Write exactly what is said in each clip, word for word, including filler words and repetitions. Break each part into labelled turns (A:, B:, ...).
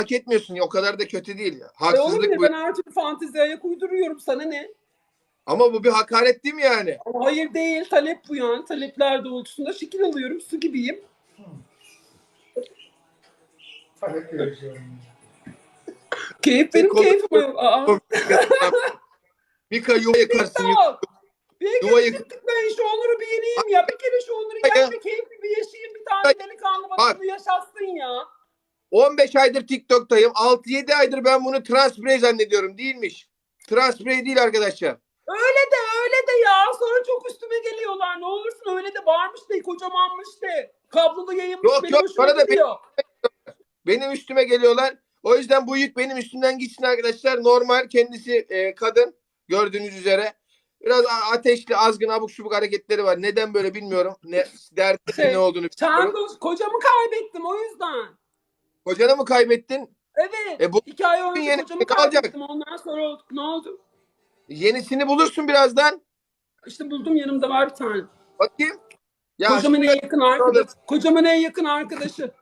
A: hak etmiyorsun. O kadar da kötü değil ya.
B: E oğlum
A: Haksızlık
B: ne,
A: bu.
B: ben her türlü fanteziye ayak uyduruyorum, sana ne?
A: Ama bu bir hakaret değil mi yani?
B: Ama hayır değil, talep bu yani. Talepler doğrultusunda şekil alıyorum, su gibiyim.
C: Talep görüşüyorum.
B: Keyif benim
A: Konu-
B: keyfim. Aa.
A: Mika yuva yıkarsın.
B: TikTok. Bir
A: Yuva
B: kere
A: yık-
B: gittik, ben şu Onur'u bir yeneyim ya. Bir kere şu Onur'u gel ve keyifli bir yaşayayım. Bir tane delikanlı bana
A: Bak.
B: bunu yaşatsın ya.
A: on beş aydır TikTok'tayım. altı yedi aydır ben bunu Transprey zannediyorum. Değilmiş. Transprey değil arkadaşlar.
B: Öyle de öyle de ya. Sonra çok üstüme geliyorlar. Ne olursun öyle de, varmış de, kocamanmış de. Kablolu yayınmış,
A: Yok,
B: benim
A: yok,
B: hoşuma
A: bana da
B: gidiyor.
A: Benim üstüme geliyorlar. O yüzden bu yük benim üstümden gitsin arkadaşlar. Normal, kendisi e, kadın gördüğünüz üzere. Biraz a- ateşli, azgın, abuk subuk hareketleri var. Neden böyle bilmiyorum. Ne derdi
B: Şey,
A: ne olduğunu bilmiyorum.
B: Çandos, kocamı kaybettim o yüzden.
A: Kocanı mı kaybettin?
B: Evet.
A: E bu
B: İki ay önce
A: yeni-
B: kocamı
A: ne olacak?
B: kaybettim. Ondan sonra oldu. Ne oldu?
A: Yenisini bulursun birazdan.
B: İşte buldum, yanımda var bir tane.
A: Bakayım. Ya
B: Kocamın
A: şimdi-
B: en yakın arkadaşı. Kocamın en yakın arkadaşı.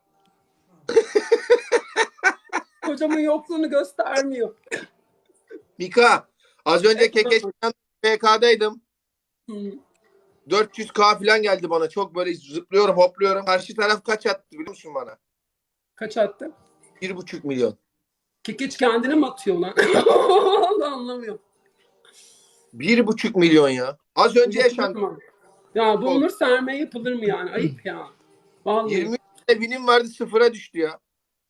B: Kocamın yokluğunu göstermiyor.
A: Mika, az önce
B: Evet.
A: Kekeç'ten P K'daydım.
B: Hmm.
A: dört yüz K falan geldi bana. Çok böyle zıplıyorum, hopluyorum. Karşı taraf kaç attı biliyor musun bana?
B: Kaç attı?
A: Bir buçuk milyon.
B: Kekeç kendine mi atıyor lan? Anlamıyorum.
A: Bir buçuk milyon ya. Az önce yaşandı.
B: Ya bu Onur sermaye yapılır mı yani? Ayıp ya. Vallahi.
A: yirmi binim vardı, sıfıra düştü ya.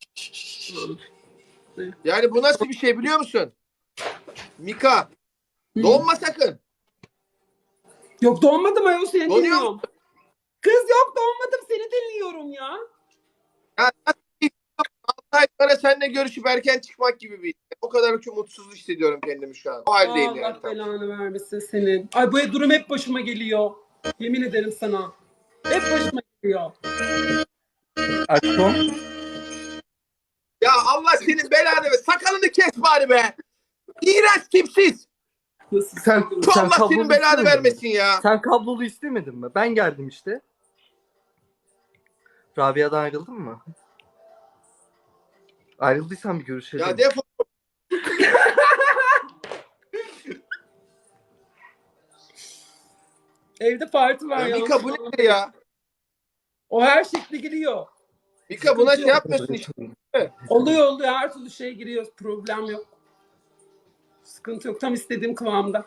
A: Yani bu nasıl bir şey biliyor musun? Mika,
B: Hı.
A: donma sakın.
B: Yok donmadım ayol, seni
A: Donuyor
B: dinliyorum. Kız yok, donmadım, seni dinliyorum ya.
A: Ya altı ay sonra seninle görüşüp erken çıkmak gibi bir. O kadar çok mutsuz hissediyorum kendimi şu an. O haldeyim
B: Allah
A: yani.
B: belanı vermesin senin. Ay bu durum hep başıma geliyor. Yemin ederim sana. Hep başıma geliyor.
C: Aşkım.
A: Ya Allah senin belanı ver. Sakalını kes bari be. İğrenç, tipsiz.
B: Nasıl?
C: Sen,
A: Şu
C: sen
A: Allah
C: kablolu
A: senin belanı
C: istemedin mi?
A: vermesin ya.
C: Sen kablolu istemedin mi? Ben geldim işte. Rabia'dan ayrıldın mı? Ayrıldıysan bir görüşelim.
A: Ya defol.
B: Evde parti var
A: Ya
B: ya.
A: Mika bu nedir ya?
B: O her şekilde giriyor.
A: Mika buna şey yapmıyorsun işte.
B: Oluyor oluyor, her türlü şey giriyor. Problem yok. Sıkıntı yok. Tam istediğim kıvamda.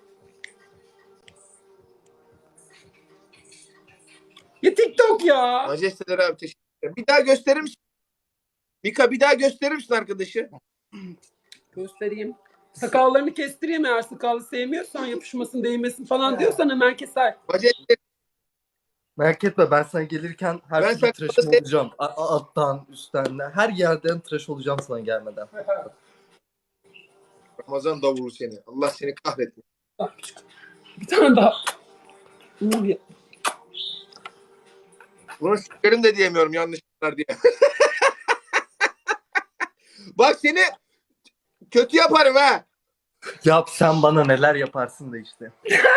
B: Ya TikTok ya.
A: Majesteler abi, teşekkür ederim. Bir daha gösterir misin? Mika bir daha gösterir misin arkadaşı?
B: Göstereyim. Sakallarını kestireyim, eğer sakalı sevmiyorsan, yapışmasın, değmesin falan diyorsan hemen keser.
A: Majesteler.
C: Merak etme, ben sana gelirken her
A: Ben
C: türlü
A: sana-
C: tıraşım olacağım. A- a- alttan, üstten, her yerden tıraş olacağım sana gelmeden.
A: Ramazan davulu seni. Allah seni kahretsin.
B: Bak, bir tane daha. Uğur ya.
A: Bunu sikerim de diyemiyorum yanlışlıklar diye. Bak seni kötü yaparım ha.
C: Yap, sen bana neler yaparsın da işte.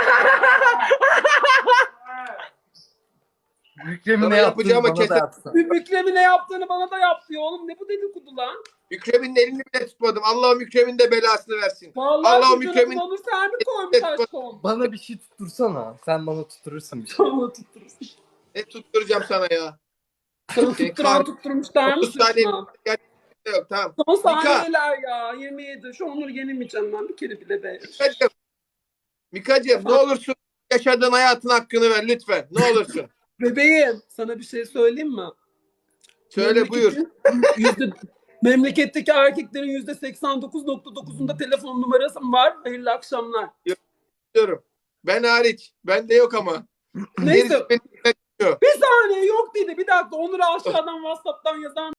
C: Büyüklerimi
A: Sana
C: ne yaptığını
A: yapacağıma
C: bana da
A: keser.
C: yapsın.
B: Bir Mükremin ne yaptığını bana da yap diyor. Oğlum ne bu dedikodu lan?
A: Mükremin elini bile tutmadım. Allah o Mükremin de belasını versin.
B: Vallahi
A: Allah o
B: çocuğuna
A: Mükremin-
B: bunu Onur sen mi koymuş aşkım?
C: Bana bir şey tuttursana. Sen bana tutturursun bir şey.
B: Tamam, tutturursun.
A: Ne tutturacağım sana ya?
B: Sana tutturan tutturmuş der
A: otuz
B: misin
A: saniye
B: şuna?
A: yok tamam.
B: Son
A: Mika.
B: saniyeler ya. yirmi yedi. Şu Onur'u yenemeyeceğim ben bir kere bile be.
A: Mikacığım. Mikacığım ne olursun yaşadığın hayatın hakkını ver lütfen. Ne olursun.
B: Bebeğim, sana bir şey söyleyeyim mi?
A: Söyle buyur.
B: Memleketin Yüzde, memleketteki erkeklerin yüzde seksen dokuz nokta dokuzunda telefon numarası var. Hayırlı akşamlar.
A: Diyorum. Ben hariç. Bende yok ama.
B: Neyse.
A: Gerisi benim-
B: Bir saniye yok dedi. Bir dakika. Onur'u aşağıdan WhatsApp'tan yazar